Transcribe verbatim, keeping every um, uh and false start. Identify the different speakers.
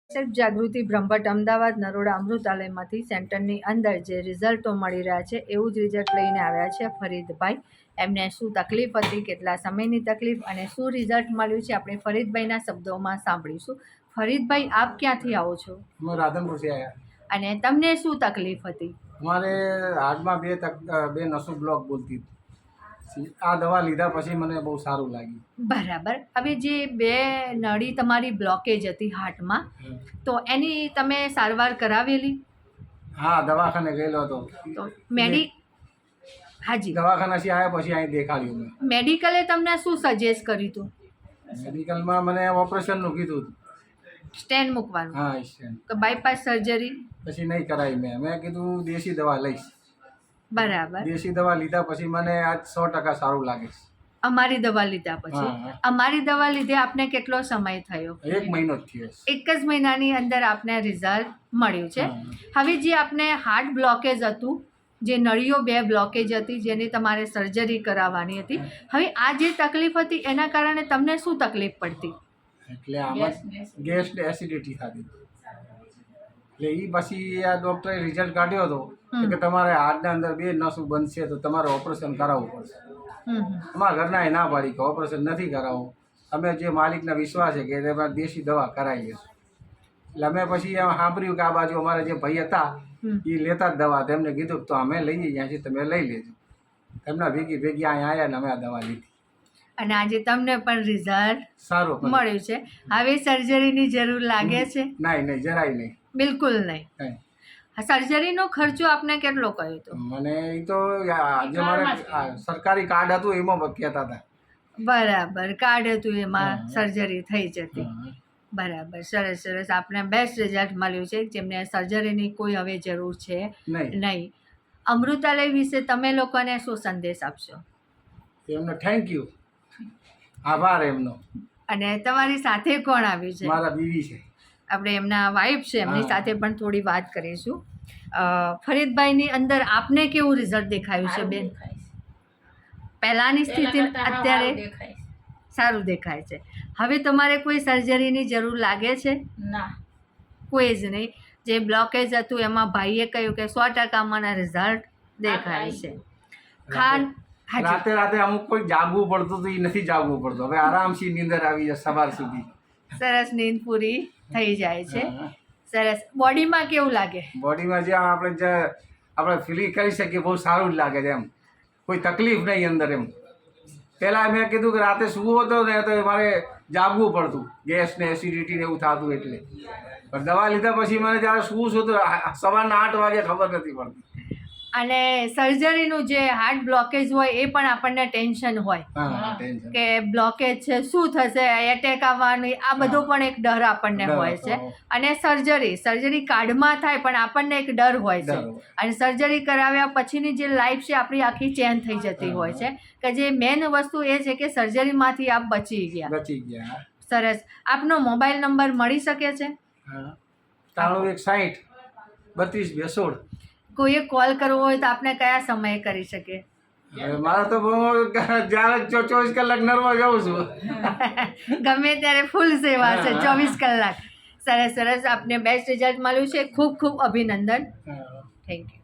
Speaker 1: Self Jagruti Brahmbhatt Ahmedabad Naroda અમૃતાલયમાંથી સેન્ટરની અંદર જે રિઝલ્ટો મળી રહ્યા છે એવું જ રિઝલ્ટ લઈને આવ્યા છે ફરીદભાઈ. એમને શું તકલીફ હતી, કેટલા સમયની તકલીફ અને શું રિઝલ્ટ મળ્યું છે આપણે ફરીદભાઈના શબ્દોમાં સાંભળીશું. ફરીદભાઈ, આપ ક્યાંથી આવો છો?
Speaker 2: અમે રાધનપુરથી આવ્યા.
Speaker 1: અને તમને શું તકલીફ હતી?
Speaker 2: અમારે હાર્ટમાં બે તક બે નસો બ્લોક બોલતી હતી. આ દવા લીધા પછી મને બહુ સારું લાગ્યું.
Speaker 1: બરાબર. હવે જે બે નળી તમારી બ્લોકેજ હતી હાર્ટમાં, તો એની તમે સારવાર કરાવેલી?
Speaker 2: હા, દવાખાને ગયેલો હતો.
Speaker 1: તો મેડિ હાજી
Speaker 2: દવાખાનાથી આવ્યા પછી અહીં દેખાડ્યું મેં.
Speaker 1: મેડિકલે તમને શું સજેસ્ટ કર્યું હતું?
Speaker 2: મેડિકલમાં મને ઓપરેશનનું કીધું હતું.
Speaker 1: સ્ટેન્ડ મૂકવાનું?
Speaker 2: હા, સ્ટેન્ડ.
Speaker 1: તો બાયપાસ સર્જરી
Speaker 2: પછી નહીં કરાવી મેં. મેં કીધું દેશી દવા લઈશ.
Speaker 1: બરાબર.
Speaker 2: દેશી દવા લીધા પછી મને આજ સો ટકા સારું લાગે છે.
Speaker 1: અમારી દવા લીધા પછી? અમારી દવા લીધે આપને કેટલો સમય થયો?
Speaker 2: એક મહિનો જ થયો.
Speaker 1: એક જ મહિનાની અંદર આપને રિઝલ્ટ મળ્યું છે. હવે જે આપને હાર્ટ બ્લોકેજ હતું, જે નળીઓ બે બ્લોકેજ હતી, જેની તમારે સર્જરી કરાવવાની હતી, હવે આ જે તકલીફ હતી એના કારણે તમને શું તકલીફ પડતી?
Speaker 2: એટલે આમાં ગેસ ને એસિડિટી થતી. એટલે એ પછી આ ડૉક્ટરે રિઝલ્ટ કાઢ્યો હતો કે તમારે હાર્ટના અંદર બે નસો બનશે તો તમારે ઓપરેશન કરાવવું પડશે. અમારા ઘરના એ ના પાડી કે ઓપરેશન નથી કરાવવું. અમે જે માલિકના વિશ્વાસ છે કે તમારે દેશી દવા કરાવી લેશું. એટલે અમે પછી સાંભળ્યું કે આ બાજુ અમારા જે ભાઈ હતા એ લેતા જ દવા. તેમને કીધું તો અમે લઈએ ત્યાંથી તમે લઈ લેજો. એમના ભેગી ભેગી અહીંયા આવ્યા ને અમે આ દવા લીધી.
Speaker 1: અને આજે તમને પણ રિઝલ્ટ
Speaker 2: સારું
Speaker 1: મળ્યું છે. હવે સર્જરીની જરૂર લાગે છે?
Speaker 2: નહીં નહીં, જરાય નહીં,
Speaker 1: બિલકુલ નહીં. સર્જરીનો ખર્ચો આપને કેટલો કયો હતો?
Speaker 2: મને એ તો જે મારે સરકારી કાર્ડ હતું એમાં કહેતા હતા.
Speaker 1: બરાબર, કાર્ડ હતું એમાં સર્જરી થઈ જતી. બરાબર, સરસ સરસ. આપને બેસ્ટ રિઝલ્ટ મળ્યું છે, જેમને સર્જરીની કોઈ હવે જરૂર છે નહીં. અમૃતાલય વિશે તમે લોકોને શું સંદેશ આપશો?
Speaker 2: એમને થેન્ક યુ, આભાર એમનો.
Speaker 1: અને તમારી સાથે કોણ આવ્યું છે?
Speaker 2: મારા બીવી છે.
Speaker 1: આપણે એમના વાઇફ છે, એમની સાથે પણ થોડી વાત કરીશું. ફરીદભાઈની અંદર આપને કેવું રિઝલ્ટ દેખાયું છે બેન? પહેલાંની સ્થિતિ અત્યારે સારું દેખાય છે. હવે તમારે કોઈ સર્જરીની જરૂર લાગે છે?
Speaker 3: ના,
Speaker 1: કોઈ જ નહીં. જે બ્લોકેજ હતું એમાં ભાઈએ કહ્યું કે સો ટકા મને રિઝલ્ટ દેખાય છે. ખાન
Speaker 2: રાતે રાતે અમુક કોઈ જાગવું પડતું હતું, એ નથી જાગવું પડતું. હવે આરામથી નીંદર આવી જાય સવાર સુધી.
Speaker 1: સરસ, નીંદ પૂરી થઈ જાય છે. સરસ. બોડીમાં કેવું લાગે?
Speaker 2: બોડીમાં જે આપણે જે આપણે ફીલ કરી શકીએ બહુ સારું જ લાગે છે. એમ કોઈ તકલીફ નહીં અંદર. એમ પહેલાં મેં કીધું કે રાતે સૂવો હતો ને તો મારે જાગવું પડતું, ગેસ ને એસિડિટી ને એવું થતું. એટલે પણ દવા લીધા પછી મને જ્યારે સૂવું છું તો સવારના આઠ વાગે ખબર નથી પડતી.
Speaker 1: અને સર્જરીનું જે હાર્ટ બ્લોકેજ હોય એ પણ આપણને ટેન્શન હોય કે બ્લોકેજ છે, શું થશે, એટેક આવવાનું, આ બધો પણ એક ડર આપણને હોય છે. અને સર્જરી સર્જરી કાર્ડમાં થાય પણ આપણને એક ડર હોય છે. અને સર્જરી કરાવ્યા પછીની જે લાઈફ છે આપણી આખી ચેન્જ થઈ જતી હોય છે. કે જે મેઇન વસ્તુ એ છે કે સર્જરીમાંથી આપ બચી ગયા.
Speaker 2: બચી ગયા.
Speaker 1: સરસ. આપનો મોબાઈલ નંબર મળી શકે છે?
Speaker 2: ત્રાણું એક સાઠ બત્રીસ બે સોળ.
Speaker 1: કોઈએ કોલ કરવો હોય તો આપણે કયા સમયે કરી શકે?
Speaker 2: મારે તો જ્યારે ચોવીસ કલાક નરવા જાઉં છું.
Speaker 1: ગમે ત્યારે ફૂલ સેવા છે, ચોવીસ કલાક. સરસ સરસ. આપને બેસ્ટ રિઝલ્ટ મળ્યું છે. ખૂબ ખૂબ અભિનંદન. Thank you.